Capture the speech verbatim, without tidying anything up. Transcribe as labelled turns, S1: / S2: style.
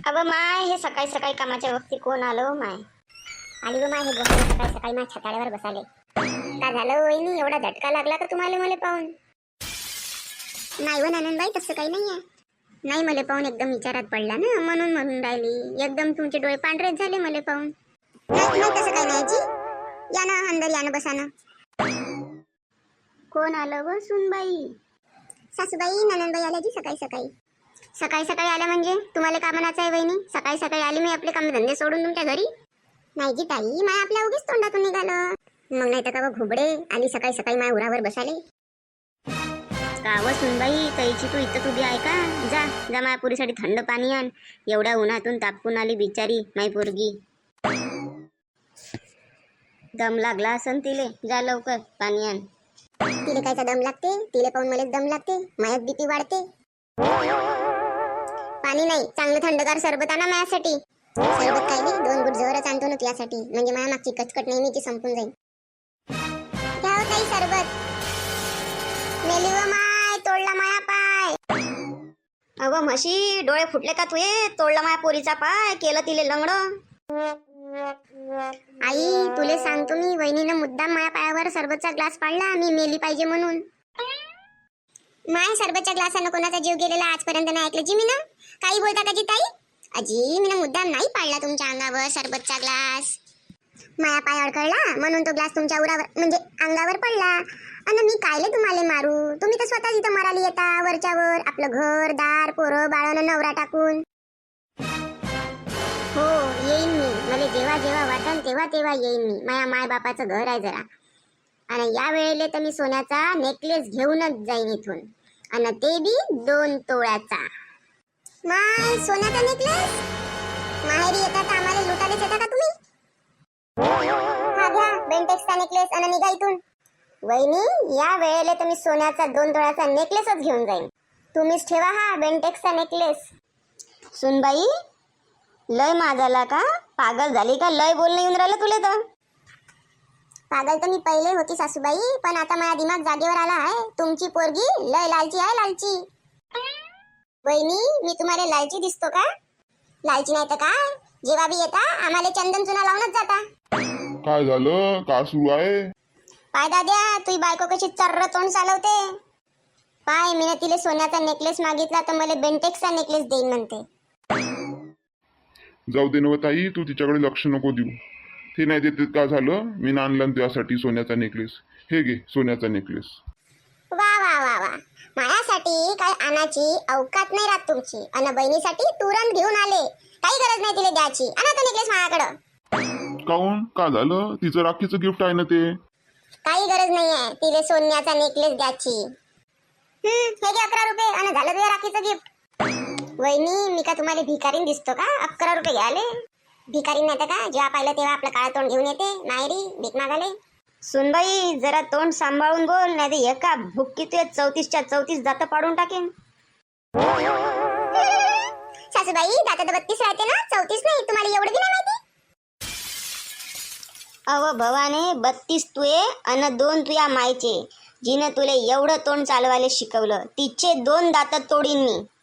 S1: अगं माय, हे सकाळी सकाळी कामाच्या वक्ती कोण आलो माय? आली व माय, हे गोष्ट सकाळी सकाळी माझ्या छताड्यावर बसाले. का झालं वहिनी, एवढा झटका लागला का तुम्हाला मला पाहून? नाही व नंदनबाई, तसं काही नाही आहे. नाही, मला पाहून एकदम विचारात पडला ना, म्हणून म्हणून राहिली. एकदम तुमचे डोळे पांढरेच झाले मला पाहून. नाही नाही, तसं काही नाही जी. या ना अंदर, या ना, बसा ना. कोण आलं व सुनबाई? सासूबाई, नंदनबाई आल्या जी सकाळी सकाळी. सकाळी सकाळी आल्या म्हणजे तुम्हाला का म्हणायचं आहे वहिनी? सकाळी सकाळी आली मी आपले काम धंदे सोडून तुमच्या घरी? नाही जी ताई, माय आपल्या उगीच तोंडातून निघालं. मग नाही तर का घुबडे आली सकाळी सकाळी माय उरावर बसाले. काव सुनबाई, ताईची तू इथं उभी आहे का? जा जा, माया पुरीसाठी थंड पाणी आण. एवढ्या उन्हातून तापकून आली बिचारी माय पोरगी. दम लागला असन तिले, जा लवकर पाणी आण. तिले कायचा दम लागते? तिले पाहून मलाच दम लागते. मायात बीपी वाढते. पाणी नाही, चांगलं थंडगार सरबत आणा माझ्यासाठी. सरबत काय नाही, दोन गुट जवळच आणतो ना तुझ्यासाठी, म्हणजे माझ्या मागची कचकट नेहमीची संपून जाईल. घ्या हो ताई सरबत. मेली व माय, तोडला माया पाय. अगं म्हशी, डोळे फुटले का तुये? तोडला माया पोरीचा पाय, केलं तिले लंगड. आई, तुले सांगतो मी, वहिनीनं मुद्दाम माया पायावर सरबतचा ग्लास पाडला, मी मेली पाहिजे म्हणून. माय, सरबतच्या ग्लासानं कोणाचा जीव गेलेला आजपर्यंत नाही ऐकलं जी मी ना. काही बोलता का जी ताई? अजी, मी ना मुद्दाम नाही पाडला तुमच्या अंगावर सरबतचा ग्लास. माया पाय अडकळला म्हणून तो ग्लास तुमच्या उरावर म्हणजे अंगावर पडला. आणि मी कायले तुम्हाला मारू? तुम्ही तर स्वतः इथं मराली येता वरच्यावर, आपलं घर दार पोरं बाळानं नवरा टाकून. हो, येईन मी. मला जेव्हा जेव्हा वाटन तेव्हा तेव्हा येईन मी. माया माय बापाचं घर आहे जरा. आणि या वेळेला तर मी सोन्याचा नेकलेस घेऊनच जाईन इथून, आणि ते बी दोन तोळ्याचा. माय, सोन्याचा नेकलेस? माहेरी येतात आम्हाला लुटायलाच येता का तुम्ही? हा घ्या बेंटेक्सचा नेकलेस आणि निघा इथून. वहिनी, या वेळेला तर मी सोन्याचा दोन तोळ्याचा नेकलेसच घेऊन जाईन. तुम्हीच ठेवा हा बेंटेक्सचा नेकलेस. सुनबाई, लय माझाला का? पागल झाली का? लय बोलणं येऊन राहिलं तुले तर. पागल तर मी पहिले होती सासूबाई, पण आता माझा दिमाग जागेवर आला आहे. तुमची पोरगी लय लालची आहे, लालची. वहिनी, मी तुम्हाला लालची दिसतो का? लालची नाही तर काय, जेव्हा बी येता आम्हाला चंदन चुना लावूनच जाता.
S2: काय झालं? का सुरू आहे?
S1: पाय दाद्या, तुझी बायको कशी चर्र तोंड चालवते. पाय, मी तिला सोन्याचा नेकलेस मागितला तर मला बेंटेक्सचा नेकलेस देईन म्हणते.
S2: जाऊ दे नव ताई, तू तिच्याकडे लक्ष नको देऊ. ते नाही देते का झालं? मी आणलं त्यासाठी सोन्याचा नेकलेस. हे घे सोन्याचा नेकलेस.
S1: वा वा वा वा, माझ्यासाठी काय आणाची अवकात नाही राहत तुमची. आणि बहिणीसाठी तुरंत घेऊन आले. काही गरज नाही तिला द्यायची. आणा तो नेकलेस माझ्याकडं.
S2: काऊन? का झालं? तिचं राखीचं गिफ्ट आहे ना ते.
S1: काही गरज नाही आहे तिला सोन्याचा नेकलेस द्यायची. हम्म, हे घे अकरा रुपये आणि झालं तुझ्या राखीचं गिफ्ट. वहिनी, मी का तुम्हाला भिकारीन दिसतो का? अकरा रुपये घ्याले. भिकारीन नाही तर का, जेव्हा पाहिलं तेव्हा आपलं काळं तोंड घेऊन येते माहेरी भीक मागाले. सुनबाई, जरा तोंड सांभाळून बोल, नाही तर एका भुक्की तुझ्या चौतीसच्या चौतीस दात पाडून टाकेन. सासूबाई, दात तर बत्तीस राहते ना, चौतीस नाही. तुम्हाला एवढं बी नाही माहिती? अव भवाने, बत्तीस तुये अन दोन तुया मायचे. जिनं तुले एवढं तोंड चालवायला शिकवलं, तिचे दोन दात तोडीन मी.